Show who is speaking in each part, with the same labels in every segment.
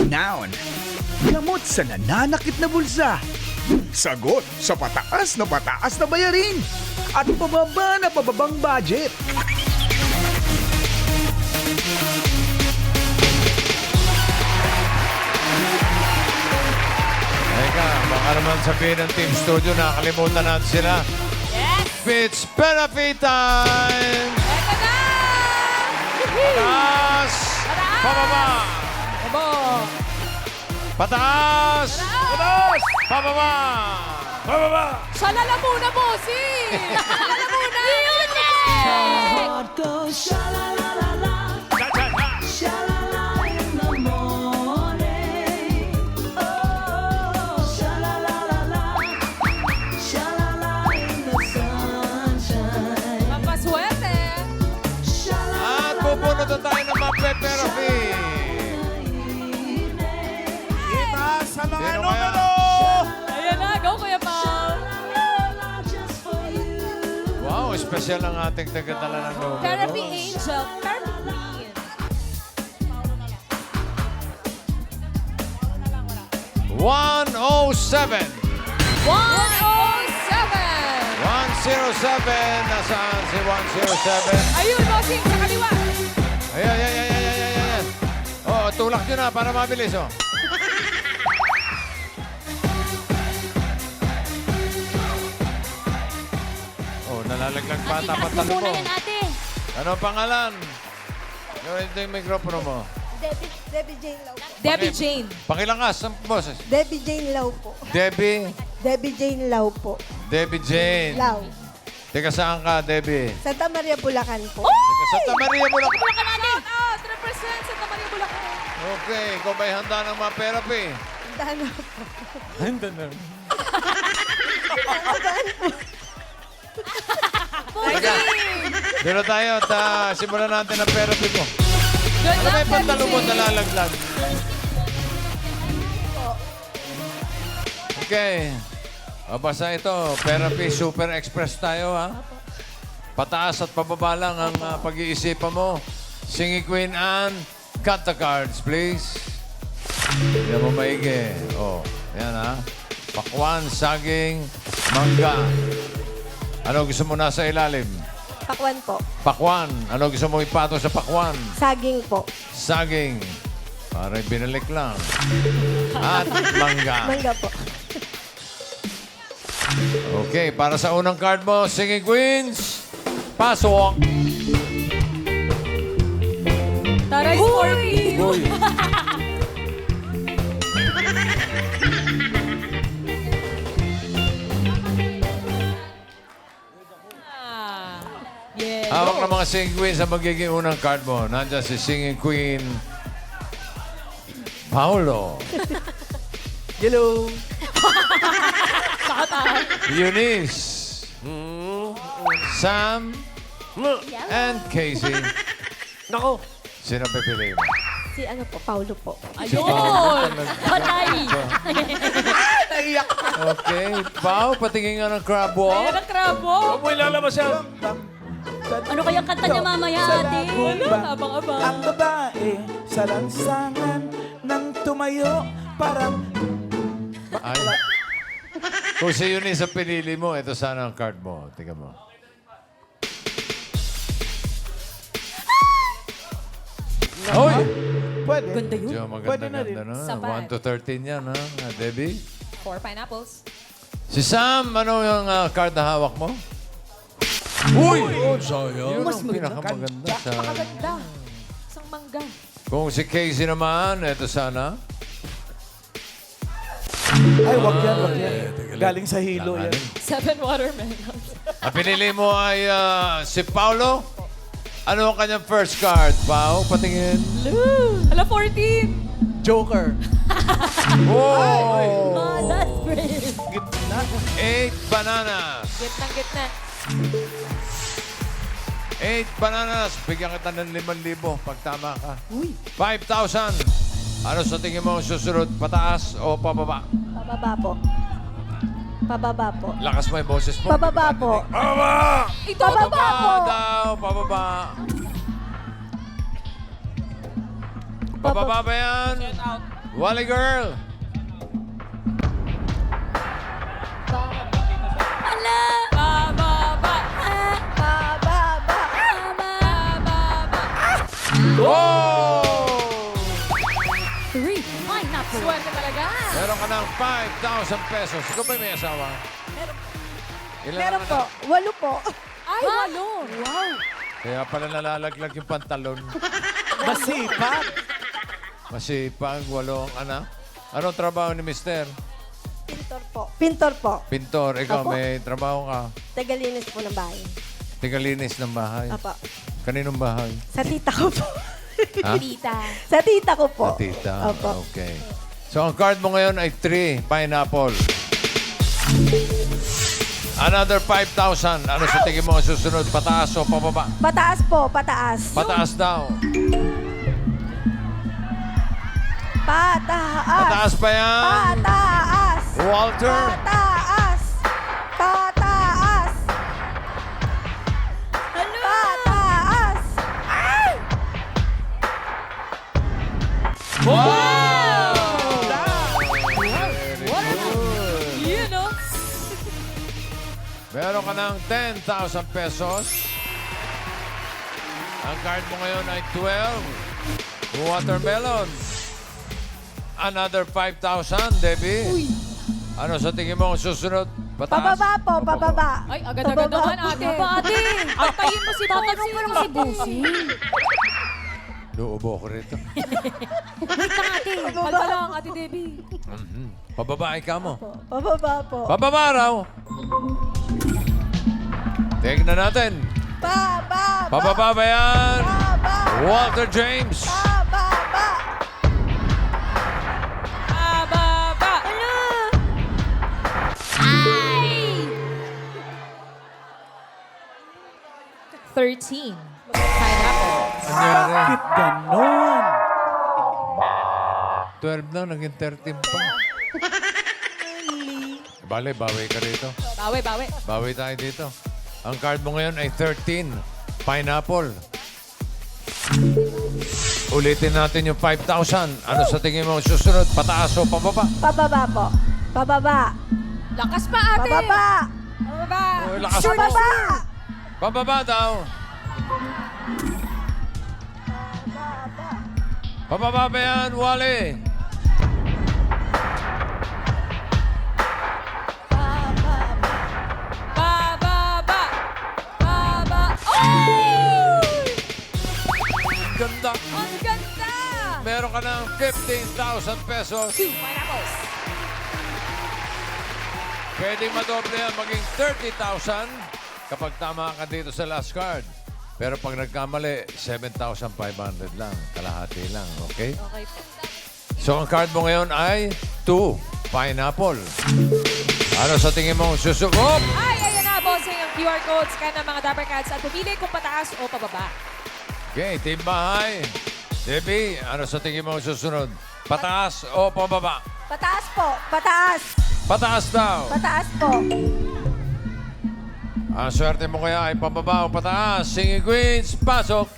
Speaker 1: Noun. Gamot sa nananakit na bulsa. Sagot sa pataas na bayarin. At pababang budget.
Speaker 2: Teka, baka naman sabihin ng Team Studio, nakalimutan natin sila.
Speaker 3: Yes!
Speaker 2: It's Benefit time!
Speaker 3: Eto na!
Speaker 2: Pataas! Pababa!
Speaker 3: Abo!
Speaker 2: Pataas! Pataas! Pababa! Pababa!
Speaker 3: Salala muna, bossing! Salala muna! Music! Pampaswerte!
Speaker 2: At pupunod na tayo ng Mape-Therapy.
Speaker 4: Itaas sa mga
Speaker 2: Sino
Speaker 4: numero!
Speaker 3: Ayan na, go Kuya Pao!
Speaker 2: Wow, espesyal ang ating tagatala ng numero.
Speaker 3: Therapy Angel, Therapy Queen.
Speaker 2: 107.
Speaker 3: 107!
Speaker 2: 107. Nasaan si 107?
Speaker 3: Ayun, bossing, sa kaliwa!
Speaker 2: Ayan. Oh, tulak nyo na para mabilis, oh. Oh, nalalaglag pa tapat
Speaker 5: Itaas mo
Speaker 2: talo
Speaker 5: muna
Speaker 2: mo.
Speaker 5: yan, ate.
Speaker 2: Ano ang pangalan? Ito yung mikropono mo.
Speaker 6: Debbie Jane Lau.
Speaker 3: Debbie Jane.
Speaker 2: Pakilangas ang boses.
Speaker 6: Debbie Jane Lau po.
Speaker 2: Debbie.
Speaker 6: Debbie Jane Lau po.
Speaker 2: Debbie Jane.
Speaker 6: Lau.
Speaker 2: Teka, saan ka, Debbie?
Speaker 6: Santa Maria, Bulacan po.
Speaker 2: Teka, Santa Maria mo lang.
Speaker 3: Bulacan natin! Shout out! Represent sa Tamaria Bulacan.
Speaker 2: Okay, ikaw ba'y handa ng mga therapy?
Speaker 6: Dahil na po.
Speaker 2: Handa na. Teka, dito tayo at simulan natin ang therapy mo.
Speaker 3: Good
Speaker 2: Ano may
Speaker 3: luck,
Speaker 2: pantalo mo
Speaker 3: Debbie Jane.
Speaker 2: nalalaglag? Okay. Basta ito, Therapy Super Express tayo, ha? Pataas at pababa lang ang pag-iisipan mo. Singy Queen Anne, cut the cards, please. Yan mo maigi. Oh, yan, ha? Pakwan, saging, mangga. Ano gusto mo nasa ilalim?
Speaker 6: Pakwan po.
Speaker 2: Pakwan. Ano gusto mo ipato sa pakwan?
Speaker 6: Saging po.
Speaker 2: Saging. Parang binalik lang. At mangga.
Speaker 6: Mangga po.
Speaker 2: Okay, para sa unang card mo, Singing Queens, pasok.
Speaker 3: Taray Scorpio. Ah, yeah.
Speaker 2: Hawak ng mga Singing Queens ang magiging unang card mo. Nandiyan si Singing Queen, Paolo.
Speaker 4: Hello!
Speaker 2: Eunice, Sam, and Casey.
Speaker 4: Nako!
Speaker 2: Sino pipiliin mo?
Speaker 6: Si ano po, Paulo po.
Speaker 3: Ayun!
Speaker 5: Patay.
Speaker 4: Naiyak!
Speaker 2: Okay, Pao, patingin nga ng crab
Speaker 3: Ayan
Speaker 2: walk.
Speaker 3: ang krabo.
Speaker 4: Huwag mo ilalabas yan!
Speaker 5: Ano kayang kanta niya mamaya, ate?
Speaker 3: Wala, abang-abang.
Speaker 4: Ang babae sa lansangan nang tumayo parang...
Speaker 2: Ay. Kung si Eunice ang pinili mo, ito sana ang card mo. Tingnan mo. Hoy!
Speaker 4: Pwede.
Speaker 3: Ganda yun.
Speaker 2: Diyo,
Speaker 4: Pwede na
Speaker 2: maganda-ganda na.
Speaker 3: Sapat.
Speaker 2: 1 to 13 yan, ha? Debbie?
Speaker 3: 4 pineapples.
Speaker 2: Si Sam, ano yung card na hawak mo? Uy! Yun ang pinakamaganda sa...
Speaker 3: Maganda. Isang mangga.
Speaker 2: Kung si Casey naman, ito sana.
Speaker 4: Ay, wag yan, wag yan. Galing sa hilo yan.
Speaker 3: 7 watermelons.
Speaker 2: Ang pinili mo ay si Paulo. Ano ang kanyang first card, Pao? Patingin.
Speaker 3: Hala, 14.
Speaker 4: Joker.
Speaker 2: Whoa!
Speaker 5: Ah, that's great.
Speaker 4: Gitna.
Speaker 2: 8 bananas.
Speaker 3: Gitna.
Speaker 2: 8 bananas. Bigyan kita ng 5,000 pag tama ka. 5,000. Ano sa tingin mo susunod? Pataas o pababa?
Speaker 6: Pababa po. Pababa po.
Speaker 2: Lakas mo yung boses mo.
Speaker 6: Pababa po.
Speaker 2: Pababa!
Speaker 3: Ito,
Speaker 2: Pababa
Speaker 6: po.
Speaker 2: daw. Pababa. Pababa ba yan? Wally Girl.
Speaker 5: Ala!
Speaker 3: Bababa.
Speaker 6: Pababa.
Speaker 3: Bababa.
Speaker 2: Whoa!
Speaker 5: 3. Ay, naku.
Speaker 3: Swerte talaga.
Speaker 2: Meron ka ng 5,000 pesos. Ikaw ba may asawa? Ilan
Speaker 6: Meron
Speaker 2: ang
Speaker 6: po.
Speaker 2: anak?
Speaker 6: 8 po.
Speaker 3: Ay, walo.
Speaker 5: Wow.
Speaker 2: Kaya pala nalalaglag yung pantalon.
Speaker 4: Masipag.
Speaker 2: Masipag, 8 anak. Anong trabaho ni Mister?
Speaker 6: Pintor po. Pintor po.
Speaker 2: Pintor. Ikaw,
Speaker 6: Apo.
Speaker 2: may trabaho ka.
Speaker 6: Tagalinis po ng bahay.
Speaker 2: Tigalinis ng bahay.
Speaker 6: Apo.
Speaker 2: Kaninong bahay?
Speaker 6: Sa tita ko po.
Speaker 2: Ha?
Speaker 3: Tita.
Speaker 6: Sa tita ko po.
Speaker 2: Sa tita.
Speaker 6: Opo.
Speaker 2: Okay. So, ang card mo ngayon ay 3, pineapple. Another 5,000. Ano sa tingin mo ang susunod? Pataas o pababa?
Speaker 6: Pataas po. Pataas.
Speaker 2: Pataas daw.
Speaker 6: Pataas.
Speaker 2: Pataas pa yan.
Speaker 6: Pataas.
Speaker 2: Walter.
Speaker 6: Pataas. Pataas. Pataas.
Speaker 2: Very good.
Speaker 3: Yun, no?
Speaker 2: Meron ka ng 10,000 pesos. Ang card mo ngayon ay 12. Watermelon. Another 5,000, Debbie. Ano sa tingin mo ang susunod? Pataas?
Speaker 6: Pababa po.
Speaker 2: O
Speaker 6: Pababa.
Speaker 3: Ay, agad-agad
Speaker 6: Pababa
Speaker 3: naman,
Speaker 6: po.
Speaker 3: ate.
Speaker 5: Ano ba, ate?
Speaker 3: Antayin mo si
Speaker 5: Tatanong pa lang si Bossing.
Speaker 2: Luubo ko rito.
Speaker 5: Wait lang, ate.
Speaker 3: Kalma lang, ate Debbie.
Speaker 2: Pababae ka mo.
Speaker 6: Pababa po.
Speaker 2: Pababa raw. Tingnan natin.
Speaker 6: Pababa.
Speaker 2: Pababa ba yan?
Speaker 6: Pababa.
Speaker 2: Walter James.
Speaker 6: Pababa.
Speaker 3: Bababa.
Speaker 5: Ay!
Speaker 3: 13. Pineapple.
Speaker 2: Nangyari?
Speaker 4: Bakit ganon?
Speaker 2: 12 na, naging 13 pa. Bale, bawi ka rito.
Speaker 3: Bawi, bawi.
Speaker 2: Bawi tayo dito. Ang card mo ngayon ay 13. Pineapple. Ulitin natin yung 5,000. Ano sa tingin mo susunod? Pataas o pababa?
Speaker 6: Pababa po. Pababa.
Speaker 3: Lakas pa, ate.
Speaker 6: Pababa.
Speaker 3: Bababa.
Speaker 2: Oh, lakas mo.
Speaker 6: Pababa.
Speaker 2: Pababa daw. Pababa ba yan, Wally?
Speaker 3: Bababa. Baba. Oh!
Speaker 2: Ganda.
Speaker 3: Ang ganda.
Speaker 2: Meron ka ng 15,000 pesos.
Speaker 3: 2 pineapples.
Speaker 2: Pwedeng madoble yan, maging 30,000 kapag tama ka dito sa last card. Pero pag nagkamali, 7,500 lang. Kalahati lang, okay?
Speaker 3: Okay po.
Speaker 2: So, ang card mo ngayon ay 2, pineapple. Ano sa tingin mo susunod?
Speaker 3: Ay, ayan na, bossing ang QR code. Scan ng mga Dapper Cats at pumili kung pataas o pababa.
Speaker 2: Okay, team bahay. Debbie, ano sa tingin mo susunod? Pataas o pababa?
Speaker 6: Pataas po. Pataas.
Speaker 2: Pataas daw.
Speaker 6: Pataas po.
Speaker 2: Ang swerte mo kaya ay pababa o pataas. Singing Queens, pasok.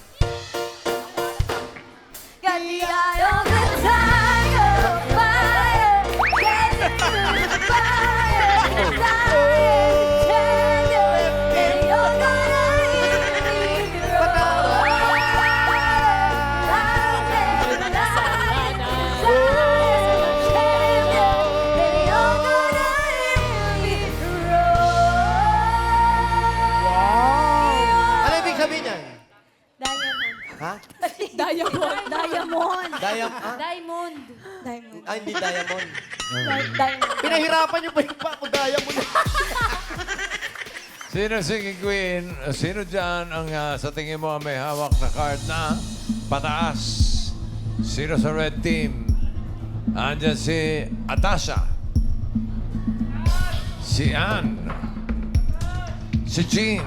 Speaker 7: Ano ibig sabihin niyan?
Speaker 6: Diamond.
Speaker 7: Ha?
Speaker 3: Diamond.
Speaker 5: Diamond.
Speaker 7: Diamond.
Speaker 6: Diamond.
Speaker 7: Ay, hindi diamond.
Speaker 6: Diamond.
Speaker 7: Pinahirapan niyo pa yung pa ako diamond.
Speaker 2: Sino singing queen? Sino dyan ang sa tingin mo ang may hawak na card na pataas? Sino sa red team? Andyan si Atasha. Si Ann. Si Jean.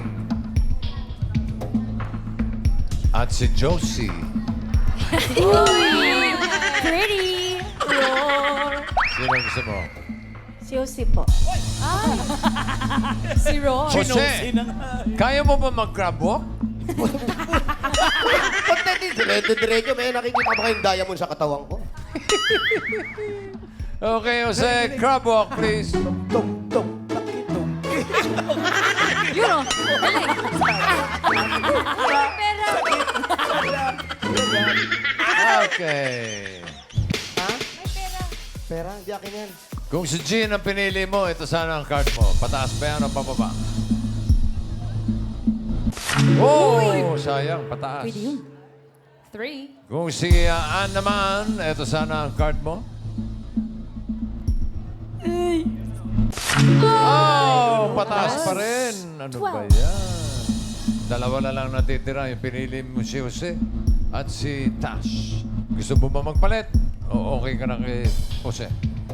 Speaker 2: At si Josie.
Speaker 5: Pretty.
Speaker 2: Sino gusto mo?
Speaker 6: Si Jose po.
Speaker 3: Si Ron.
Speaker 2: Jose, kaya mo ba mag-crab walk?
Speaker 7: Pagdating, dire-diretso, may nakikita ba kayong diamond sa katawan ko?
Speaker 2: Okay, Jose, crab walk, please.
Speaker 4: Tung, tung, pakitung.
Speaker 5: Yun o. Galing.
Speaker 6: Pero,
Speaker 2: Okay.
Speaker 7: Ha?
Speaker 6: may pera.
Speaker 7: Pera, hindi akin yan.
Speaker 2: Kung si Jean ang pinili mo, ito sana ang card mo. Pataas ba yan o pababa? Oh, sayang, pataas.
Speaker 5: Pwede yun.
Speaker 3: 3.
Speaker 2: Kung si Ann naman, ito sana ang card mo. Oh, pataas pa rin. Ano ba yan? Dalawa na lang natitira. Yung pinili mo si Jose at si Tash. Gusto mo ba magpalit? O okay ka na kay Jose?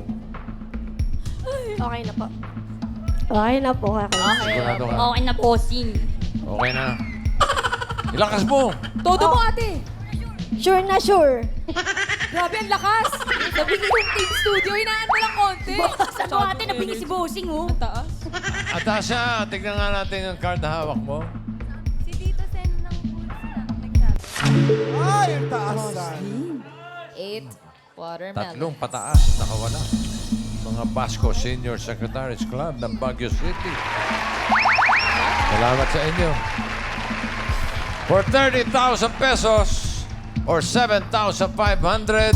Speaker 6: Okay na po. Okay na po.
Speaker 2: Sigurado ka?
Speaker 5: Okay na, bossing.
Speaker 2: Okay na. Ilakas mo!
Speaker 3: Todo mo, ate.
Speaker 6: Sure na sure.
Speaker 3: Grabe, ang lakas. Nabigay yung team studio. Hinaan mo lang konti.
Speaker 5: Sa mo ate, nabingi si bossing, oh.
Speaker 3: Ang taas.
Speaker 2: Atasha, tignan nga natin ang card na hawak mo.
Speaker 6: Si Tito Sen ng nagsabi.
Speaker 4: Ay, ang taasan.
Speaker 3: 8. Watermelon.
Speaker 2: Tatlong pataas, nakawala. Mga Basco Senior Secretaries Club ng Baguio City. Salamat sa inyo. For 30,000 pesos or 7,500,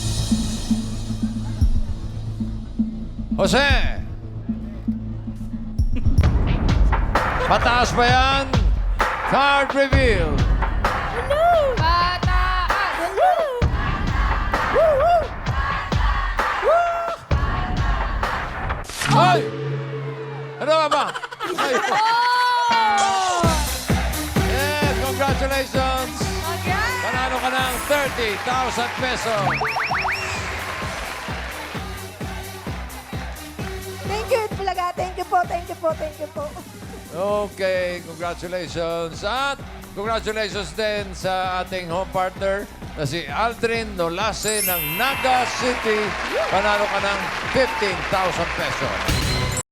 Speaker 2: Jose! Pataas ba yan? Card reveal.
Speaker 3: Pataas.
Speaker 2: Ay! Ano nga ba? Ay! Yeah, congratulations! Panalo ka ng 30,000 pesos.
Speaker 6: Thank you, Bulaga. Thank you po, thank you po, thank you po.
Speaker 2: Okay, congratulations. At congratulations din sa ating home partner na si Aldrin Nolase ng Naga City. Panalo ka ng 15,000 pesos.